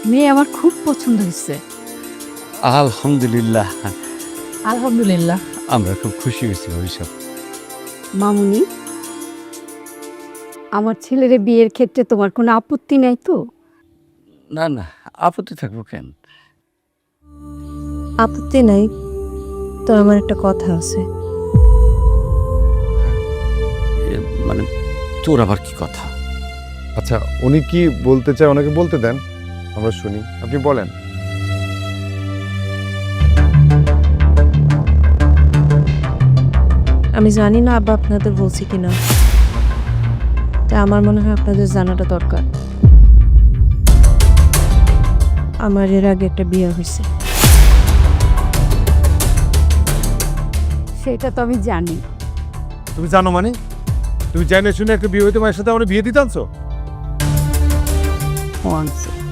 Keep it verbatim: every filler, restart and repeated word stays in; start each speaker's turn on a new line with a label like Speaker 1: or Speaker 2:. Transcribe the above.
Speaker 1: মেয়ে আমার খুব পছন্দ হয়েছে।
Speaker 2: আলহামদুলিল্লাহ,
Speaker 1: আলহামদুলিল্লাহ।
Speaker 2: আমরা খুব খুশি হয়েছি ভবিষ্যৎ।
Speaker 1: মামুনি, আমার ছেলের বিয়ের ক্ষেত্রে তোমার কোনো আপত্তি নাই তো?
Speaker 2: না না, আপত্তি থাকবো কেন?
Speaker 3: আপত্তি নাই, তো আমার একটা কথা আছে।
Speaker 2: এ, মানে তোর আবার কি কথা?
Speaker 4: আচ্ছা, উনি কি বলতে চায় ওনাকে বলতে দেন, আমরা শুনি। আপনি বলেন।
Speaker 3: আমি জানি না আব্বা আপনাদের বলছি কিনা, তাই আমার মনে হয় আপনাদের জানাটা দরকার। আমার এর আগে একটা বিয়ে হয়েছে।
Speaker 1: সেটা তো আমি জানি।
Speaker 4: তুমি জানো মানে? তুমি জানে শুনে একটা বিয়ে হইতে মায়ের সাথে আমরা বিয়ে দিতে আনছো?
Speaker 1: ও আনছে।